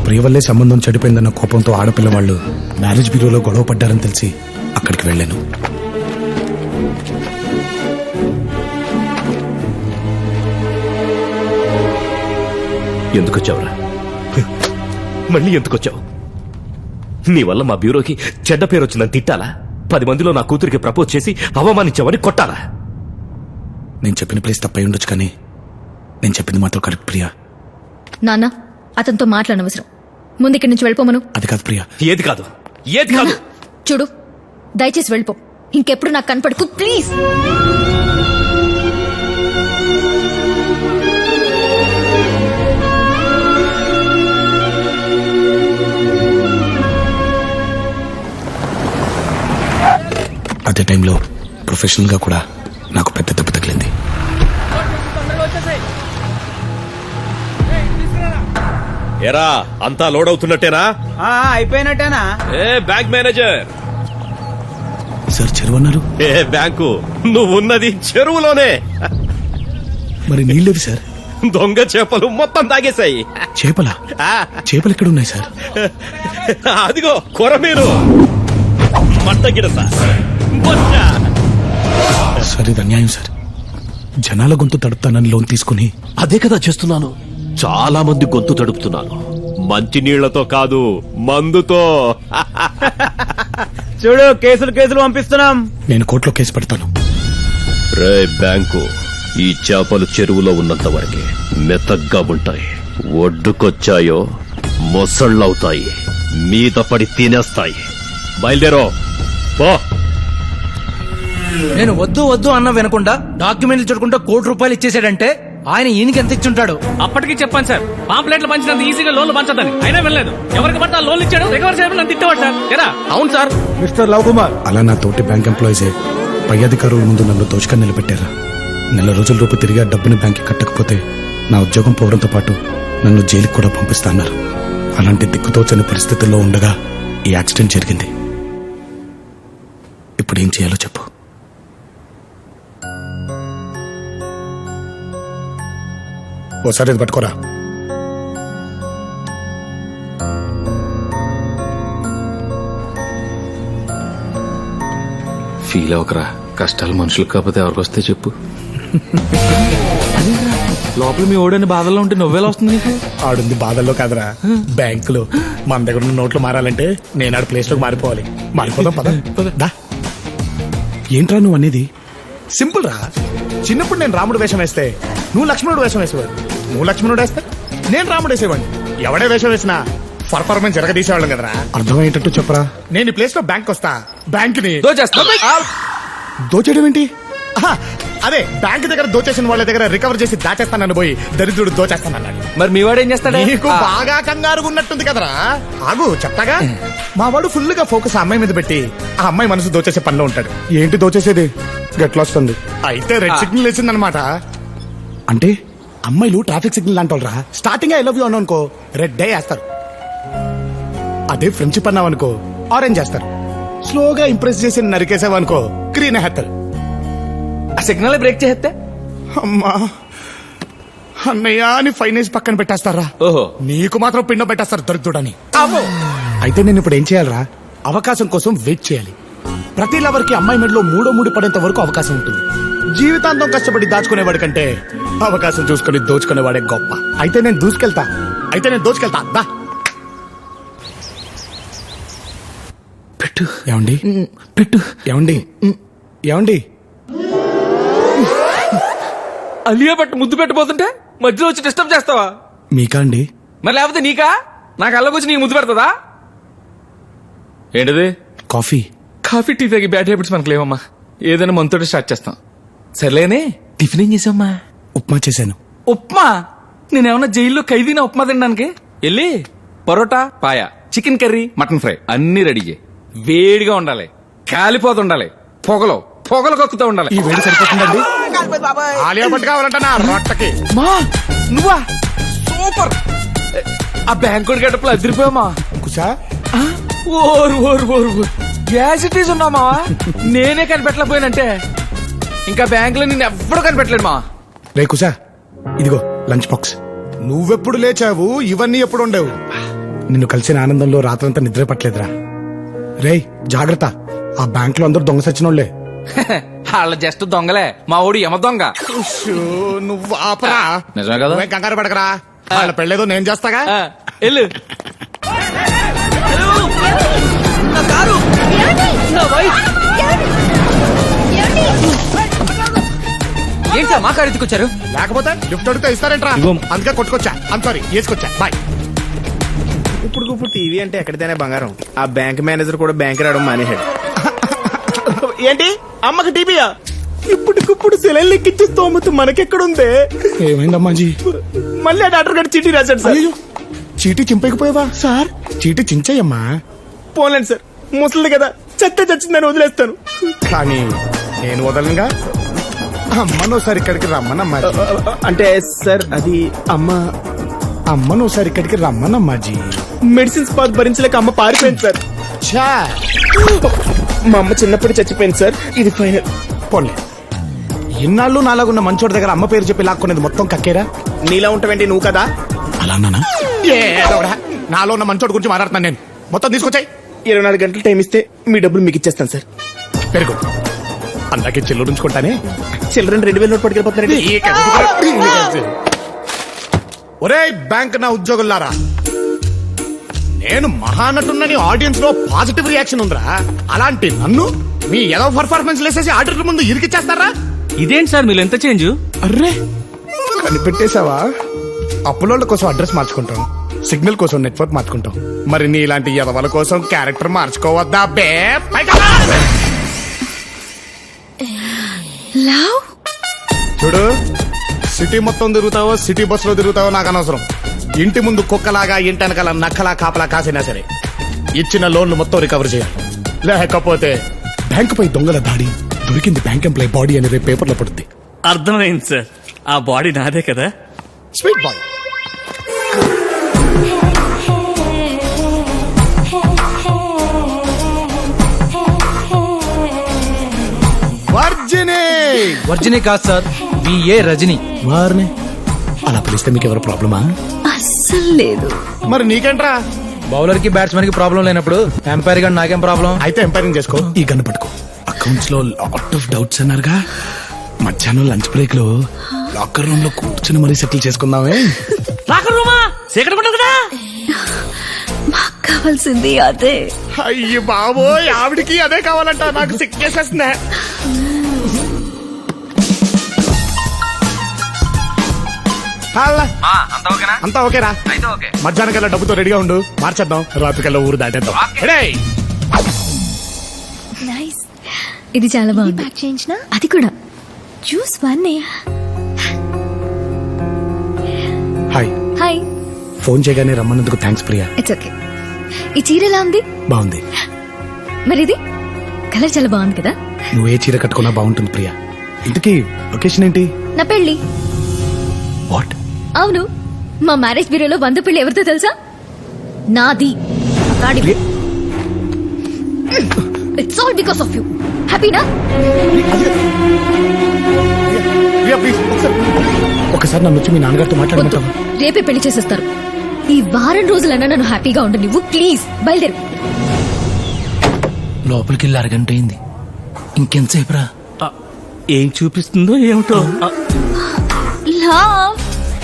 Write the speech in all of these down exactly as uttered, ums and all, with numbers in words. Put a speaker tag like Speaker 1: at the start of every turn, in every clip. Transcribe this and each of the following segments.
Speaker 1: ప్రియ వల్లే సంబంధం చెడిపోయిందన్న కోపంతో ఆడపిల్ల వాళ్ళు మ్యారేజ్ బ్యూరోలో గొడవ పడ్డారని తెలిసి అక్కడికి వెళ్ళాను.
Speaker 2: ఎందుకొచ్చావురా? మళ్ళీ ఎందుకొచ్చావు? నీ వల్ల మా బ్యూరోకి చెడ్డ పేరు వచ్చిందని తిట్టాలా? పది మందిలో నా కూతురికి ప్రపోజ్ చేసి అవమానించావని కొట్టాలా?
Speaker 1: నేను చెప్పిన ప్లేస్ తప్పై ఉండొచ్చు, కానీ నేను చెప్పింది మాత్రం కరెక్ట్ ప్రియా.
Speaker 3: నాన్న, అతనితో మాట్లాడనవసరం. ముందు ఇక్కడి నుంచి వెళ్ళిపోమను.
Speaker 1: అది కాదు ప్రియా.
Speaker 2: ఏది కాదు? ఏది కాదు?
Speaker 3: చూడు, దయచేసి వెళ్ళిపో. ఇంకెప్పుడు నాకు కనపడకు ప్లీజ్.
Speaker 1: అదే టైంలో ప్రొఫెషనల్ గా కూడా నాకు పెద్ద దెబ్బ తగిలింది.
Speaker 2: ఎరా, అంతా లోడ్ అవుతున్నట్టేనా?
Speaker 4: అయిపోయినట్టేనా?
Speaker 2: ఏ బ్యాంక్ మేనేజర్.
Speaker 1: సార్ చెరువు అన్నారు.
Speaker 2: ఏ బ్యాంకు? నువ్వున్నది చెరువులోనే.
Speaker 1: మరి నీళ్ళేవి సార్?
Speaker 2: దొంగ చేపలు మొత్తం తాగేశాయి.
Speaker 1: చేపలా? చేపలు ఎక్కడ ఉన్నాయి సార్?
Speaker 2: అదిగో కొరమీను, మట్టగిడస, బొచ్చ.
Speaker 1: సార్ ఇది అన్యాయం సార్. జనాల గొంతు తడుపుతానని లోన్ తీసుకుని
Speaker 2: అదే కదా చేస్తున్నాను. చాలా మంది గొంతు తడుపుతున్నాను. మంచి నీళ్లతో కాదు, మందుతో.
Speaker 4: చూడు, కేసులు కేసులు పంపిస్తున్నాం.
Speaker 1: నేను కోర్టులో కేసు పెడతాను.
Speaker 2: రే బ్యాంకు, ఈ చేపలు చెరువులో ఉన్నంత వరకే మెత్తగ్గా ఉంటాయి. ఒడ్డుకొచ్చాయో మొసళ్ళవుతాయి, మీద పడి తినేస్తాయి. బయలుదేరో పో.
Speaker 5: నేను వద్దు వద్దు అన్న వినకుండా డాక్యుమెంట్లు చూడకుండా కోటి రూపాయలు ఇచ్చేసాడంటే ఆయన ఈయనకి ఎంత ఇచ్చుంటాడు?
Speaker 6: అప్పటికి చెప్పాను సార్, పాంప్లెట్లు పంచినంత ఈజీగా లోన్లు పంచదని. అయినా వెళ్ళలేదు. ఎవరికి పడితే ఆ లోన్లు ఇచ్చాడు, రికవర్ చేయడం నన్ను తిట్టేవాడు సార్. ఎరా? అవును సార్.
Speaker 1: మిస్టర్ లవ్ కుమార్, అలా నా తోటి బ్యాంక్ ఎంప్లాయీసే పై అధికారుల ముందు నన్ను దోచుకొని నిలబెట్టారా. నెల రోజుల రూపు తిరిగి ఆ డబ్బుని బ్యాంక్కి కట్టకపోతే నా ఉద్యోగం పోవడంతో పాటు నన్ను జైలుకి కూడా పంపిస్తాన్నారు. అలాంటి దిక్కుతోచని పరిస్థితుల్లో ఉండగా ఈ యాక్సిడెంట్ జరిగింది. ఇప్పుడు ఏం చేయాలో చెప్పు. ఓసారి ఇది పట్టుకోరా.
Speaker 7: ఫీల్ అవకరా, కష్టాలు మనుషులకు కాకపోతే ఎవరికి వస్తే చెప్పు. లోపల మీ ఓడని బాధల్లో ఉంటే నువ్వేలా వస్తుంది నీకు?
Speaker 1: ఆడుంది బాధల్లో కాదురా, బ్యాంకులో. మన దగ్గర ఉన్న నోట్లు మారాలంటే నేను ఆడ ప్లేస్ లోకి మారిపోవాలి. మారిపోదాం పద. దా. ఏంట్రా నువ్వు అనేది? సింపుల్ రా. చిన్నప్పుడు నేను రాముడు వేషం వేస్తే నువ్వు లక్ష్మణుడు వేషం వేసేవాడు. నువ్వు లక్ష్మణుడు వేస్తే నేను రాముడు వేసేవాడిని. ఎవడే వేషం వేసినా పర్ఫార్మెన్స్ జరగదీసేవాళ్ళం కదరా. అర్థమయ్యేటట్టు చెప్పరా. నేను ఈ ప్లేస్ లో బ్యాంక్ వస్తా, బ్యాంక్ ని దోచేయడం ఏంటి? అదే బ్యాంక్ దగ్గర దోచేసిన వాళ్ళ దగ్గర రికవర్ చేసి దాచేస్తానని పోయి దరిద్రుడు దోచేస్తానన్నాడు.
Speaker 5: మరి మీ వాడు ఏం చేస్తాడు?
Speaker 1: నీకు బాగా కంగారుగా ఉన్నట్టుంది కదరా. ఆగు చెప్తాగా. మా వాడు ఫుల్ గా ఫోకస్ ఆ అమ్మాయి మీద పెట్టి ఆ అమ్మాయి మనసు దోచేసే పనిలో ఉంటాడు. ఏంటి దోచేసేది? గట్లా వస్తుంది. అయితే రెడ్ సిగ్నల్ వేసిందనమాట. అంటే అమ్మాయిలు ట్రాఫిక్ సిగ్నల్ అంటారా. స్టార్టింగ్ ఐ లవ్ యూ అనుకో రెడ్ డే వేస్తారు. అదే ఫ్రెండ్షిప్ అన్నావనుకో ఆరెంజ్ చేస్తారు. స్లోగా ఇంప్రెస్ చేసి నరికేసావనుకో గ్రీన్ వేస్తారు.
Speaker 5: ఆ సిగ్నల్ బ్రేక్ చేస్తే
Speaker 1: అమ్మా అన్నయ్య అని ఫైనాన్స్ పక్కన పెట్టేస్తారా.
Speaker 5: ఓహో,
Speaker 1: నీకు మాత్రం పిండం పెట్టేస్తారు దొరుకుతుడని. అయితే నేను ఇప్పుడు ఏం చేయాలరా? అవకాశం కోసం వెయిట్ చేయాలి. ప్రతి లవర్ కి అమ్మాయి మెడలో మూడో మూడు పడేంత వరకు అవకాశం ఉంటుంది. జీవితాంతం కష్టపడి దాచుకునేవాడి కంటే అవకాశం చూసుకుని దోచుకునేవాడే గొప్ప. అయితే నేను దూసుకెళ్తా. అయితే నేను దోచుకెళ్తా. దా పెట్టు. ఏమండి పెట్టు. ఏమండి ఏమండి
Speaker 5: అలియా పట్టు ముద్దు పెట్టబోతుంటే మధ్యలో వచ్చి డిస్టర్బ్ చేస్తావా?
Speaker 1: మీకా అండి?
Speaker 5: మరి లేకపోతే నీకా? నాకు అల్లకొచ్చి నీకు ముద్దు పెడతదా? ఏంటిది?
Speaker 1: కాఫీ.
Speaker 5: కాఫీ టీ తాగి బ్యాడ్ హ్యాబిట్స్ మనకు లేవమ్మా. ఏదైనా మనతోటి స్టార్ట్ చేస్తాం. సర్లేనే, టిఫిన్ ఏం చేసావమ్మా?
Speaker 1: ఉప్మా చేశాను.
Speaker 5: ఉప్మా? నేనేమన్నా జైల్లో ఖైదీనా ఉప్మా తినడానికి? వెళ్ళి parotta, paya, chicken curry, mutton fry అన్ని రెడీ చేయి. వేడిగా ఉండాలి, కాలిపోతుండాలి, పొగలో పొగలు కక్కుతూ ఉండాలి.
Speaker 1: ఈ వేడి సరిపోతుందండి. ఆలియా భట్ కావాలంట నా రొట్టకి.
Speaker 5: మా నువ్వా? సూపర్. ఆ బ్యాంకుడి గడపలో అదిరిపోయామా?
Speaker 1: కుసా
Speaker 5: ఓరు ఓరు ఓరు గ్యాసిటీస్ ఉన్నామా? నేనే కనిపెట్టలేకపోయానంటే ఇంకా బ్యాంక్ లో నేను ఎవ్వడూ కనిపెట్టలేడు మా.
Speaker 1: రే కుసా, ఇదిగో లంచ్ బాక్స్. నువ్వెప్పుడు లేచావు? ఇవన్నీ ఎప్పుడు ఉండేవు? నిన్ను కలిసిన ఆనందంలో రాత్రంతా నిద్ర పట్టలేదురా. రేయ్ జాగ్రత్త, ఆ బ్యాంక్ లో అందరూ దొంగ సచ్చినోళ్లే.
Speaker 5: వాళ్ళ జస్ట్ దొంగలే, మా ఊడు యమ దొంగ.
Speaker 1: నువ్వు ఆపరా.
Speaker 5: నిజమే కదా?
Speaker 1: నువ్వేం కంగారు పడకరా, వాళ్ళ పెళ్ళేదో నేను చేస్తాగా.
Speaker 5: ఆ, వెళ్ళు. ఏంటి సార్ మా కారు ఎత్తుకొచ్చారు?
Speaker 1: లేకపోతే లిఫ్ట్ అడిగితే ఇస్తారేంట్రా? అందుకే కొట్టుకొచ్చా. ఐమ్ సారీ, వేసుకొచ్చా. బాయ్.
Speaker 4: ఇప్పుడు ఇప్పుడు టీవీ అంటే ఎక్కడితేనే బంగారం. ఆ బ్యాంక్ మేనేజర్ కూడా బ్యాంక్ రావడం మానేశాడు. ఏంటి అమ్మకి టీవీయా? ఇప్పటికిప్పుడు సెలైన్ ఎక్కించే స్తోమత మనకెక్కడుందే?
Speaker 1: ఏమైందమ్మా జీ?
Speaker 4: మళ్ళీ ఆ డాక్టర్ గారు చీటీ రాశాడు సార్.
Speaker 1: అయ్యో, చీటీ చింపకపోయావా సార్? చీటీ చించేయమ్మా.
Speaker 4: పోలేండి సార్, ముసలిది కదా, చెత్త చచ్చిందని వదిలేస్తాను.
Speaker 1: కానీ నేను వదలనుగా. అమ్మను ఒకసారి ఇక్కడికి రమ్మనమ్మా.
Speaker 4: అంటే సార్ అది అమ్మ
Speaker 1: అమ్మను ఒకసారి ఇక్కడికి రమ్మనమ్మా జీ.
Speaker 4: మెడిసిన్స్ పాత్ భరించలేక అమ్మ పారిపోయింది సార్.
Speaker 1: ఛా,
Speaker 4: మా అమ్మ చిన్నప్పుడు చచ్చిపోయింది సార్. ఇది ఫైనల్.
Speaker 1: పోన్లే, ఇన్నాళ్ళు నాలాగున్న మంచోడి దగ్గర అమ్మ పేరు చెప్పి లాక్కునేది మొత్తం కక్కేరా.
Speaker 4: నీలా ఉంటావేంటి నువ్వు కదా?
Speaker 1: అలా నానా? నాలో ఉన్న మంచోడి గురించి మాట్లాడుతున్నాను నేను. మొత్తం తీసుకొచ్చాయి.
Speaker 4: ఇరవై నాలుగు గంటలు టైం ఇస్తే మీ డబ్బులు మీకు ఇచ్చేస్తాను సార్.
Speaker 1: పెరుగు అందాకే చెల్లు ఉంచుకుంటానే.
Speaker 4: చిల్డ్రన్ రెండు వేల నోట్ పట్టుకెళ్ళిపోతున్నారండి.
Speaker 1: ఒరే బ్యాంక్ నా ఉద్యోగులారా, నేను మహానటున్నని ఆడియన్స్ లో పాజిటివ్ రియాక్షన్ ఉందిరా. అలాంటి నన్ను మీ ఏదో పర్ఫార్మెన్స్ లేసేసి ఆడిటర్ ముందు ఇరికిచ్చేస్తారా?
Speaker 6: ఇదేంటి సార్ మీరు ఎంత చేంజ్?
Speaker 1: అర్రే కనిపెట్టేశావా? అప్పులోళ్ళ కోసం అడ్రస్ మార్చుకుంటాం, సిగ్నల్ కోసం నెట్వర్క్ మార్చుకుంటాం. మరి నీ ఇలాంటి ఎదవల కోసం క్యారెక్టర్ మార్చుకోవద్దా బే? పైగా రా!
Speaker 3: లవ్
Speaker 1: చూడు, సిటీ మొత్తం తిరుగుతావో సిటీ బస్ లో తిరుగుతావో నాకు అనవసరం. ఇంటి ముందు కుక్కలాగా ఇంటి వెనకాల నక్కలా కాపలా కాసినా సరే ఇచ్చిన లోన్లు మొత్తం రికవర్ చేయాలి. లేకపోతే బ్యాంకు పై దొంగల దాడి, దొరికింది బ్యాంక్ ఎంప్లాయ్ బాడీ అని రేపు పేపర్లో పడుద్ది.
Speaker 6: అర్థమైంది సార్, ఆ బాడీ నాదే కదా.
Speaker 1: Sweet boy. వర్జిని.
Speaker 8: వర్జిని కాదు సార్, బిఏ రజని.
Speaker 1: వారిని అలా పిలిస్తే మీకు ఎవరు ప్రాబ్లమా?
Speaker 3: అస్సలు లేదు.
Speaker 1: మరి నీకేంట్రా?
Speaker 8: బౌలర్ కి బ్యాట్స్మెన్ కి ప్రాబ్లం లేనప్పుడు ఎంపైర్ గా నాకేం ప్రాబ్లం?
Speaker 1: అయితే ఎంపైరింగ్ చేసుకో. ఈ గన్ను పట్టుకో. అకౌంట్స్ లో లాట్ ఆఫ్ డౌట్స్ అన్నారుగా, మధ్యాహ్నం లంచ్ బ్రేక్ లో లాకర్ రూమ్ లో కూర్చుని మరీ సెటిల్ చేసుకుందామే.
Speaker 6: లాకర్ రూమా? సీక్రెట్ ఉంటుంది కదా.
Speaker 3: మాకు కావాల్సింది అదే.
Speaker 1: అయ్యి బాబోయ్, ఆవిడికి అదే కావాలంట. నాకు సిక్కేసేస్తుందే. అంతా ఓకేరా? మధ్యాహ్నం కల్లా డబ్బుతో రెడీగా ఉండు, మార్చేద్దాం. రాత్రి కల్లా ఊరు దాటేద్దాం. రెడీ?
Speaker 3: నైస్. ఇది చాలా బాగుంది. ప్యాక్ చేయించిన అది కూడా juice one.
Speaker 1: Hi.
Speaker 3: Hi.
Speaker 1: Phone చేయగానే రమ్మన్నందుకు థ్యాంక్స్ ప్రియా.
Speaker 3: It's okay. ఈ చీర ఎలా ఉంది?
Speaker 1: బాగుంది.
Speaker 3: మరి ఇది కలర్ చాలా బాగుంది కదా.
Speaker 1: నువ్వు ఏ చీర కట్టుకున్నా బాగుంటుంది ప్రియా. ఇంతకీ లొకేషన్ ఏంటి?
Speaker 3: నా పెళ్లి.
Speaker 1: వాట్?
Speaker 3: అవును, మా మ్యారేజ్ బ్యూరోలో వంద పెళ్లి ఎవరితో తెలుసా? నాది. It's all because of you. హ్యాపీనా?
Speaker 1: ప్రియా ప్లీజ్ ఒకసారి నన్ను వచ్చి మీ నాన్నగారితో మాట్లాడమంటావా?
Speaker 3: రేపే పెళ్లి చేసేస్తారు. ఈ వారం రోజులన్నా నన్ను హ్యాపీగా ఉండు నువ్వు. ప్లీజ్ బయలుదేరు.
Speaker 8: లోపలికి వెళ్ళి అరగంట అయింది, ఇంకెంతసేపు రా?
Speaker 6: ఏం చూపిస్తుందో ఏమిటో.
Speaker 3: లవ్,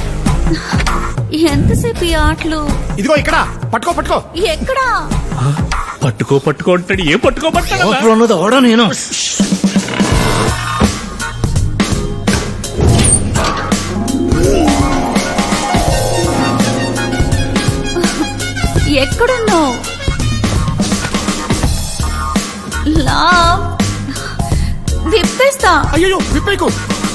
Speaker 3: ఎంతసేపు ఈ ఆటలు?
Speaker 1: ఇదిగో ఇక్కడ పట్టుకో పట్టుకో.
Speaker 3: ఎక్కడా?
Speaker 6: పట్టుకో పట్టుకో అంటాడు. ఏ పట్టుకో పట్టుకో?
Speaker 8: లోపల ఉన్నది అవడా నేను.
Speaker 3: ఎక్కడున్నావు? లవ్, విప్పేస్తా.
Speaker 1: అయ్యో విప్పేకు.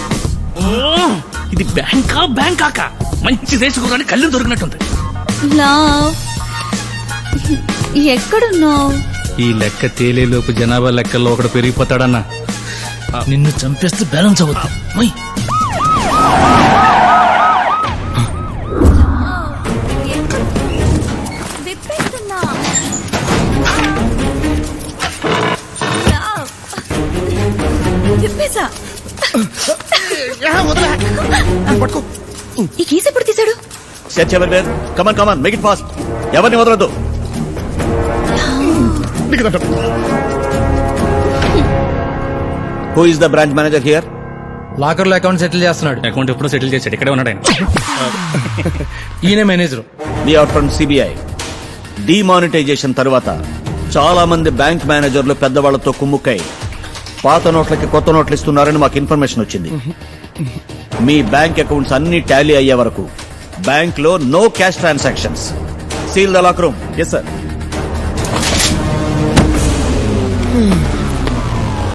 Speaker 6: ఇది బ్యాంకా బ్యాంకాక మంచి దేశకురాని కళ్ళు దొరికినట్టుంది.
Speaker 3: లవ్, ఎక్కడున్నావు?
Speaker 6: ఈ లెక్క తేలేలోపు జనాభా లెక్కల్లో ఒకడు పెరిగిపోతాడన్నా.
Speaker 8: నిన్ను చంపేస్తే బ్యాలెన్స్ అవుతా.
Speaker 3: విప్పేస్తున్నా. విప్పేసా.
Speaker 1: పట్టుకో.
Speaker 3: ఈ కేసు ఎప్పుడు తీశాడు?
Speaker 9: Search everywhere come on come on make it fast ఎవరిని వదలొద్దు.
Speaker 1: నీకు దండం.
Speaker 9: Who is the branch manager here?
Speaker 8: Locker లో అకౌంట్ సెటిల్ చేస్తున్నాడు.
Speaker 6: అకౌంట్ ఎప్పుడో సెటిల్ చేశాడు, ఇక్కడే ఉన్నాడు ఆయన.
Speaker 8: ఈయన manager.
Speaker 9: We are from CBI. Demonetisation తర్వాత చాలా మంది బ్యాంక్ మేనేజర్లు పెద్దవాళ్లతో కుమ్ముక్కై పాత నోట్లకి కొత్త నోట్లు ఇస్తున్నారని మాకు ఇన్ఫర్మేషన్ వచ్చింది. మీ బ్యాంక్ అకౌంట్స్ అన్ని టాలీ అయ్యే వరకు బ్యాంక్ లో no cash transactions. Seal the lock room.
Speaker 4: Yes sir.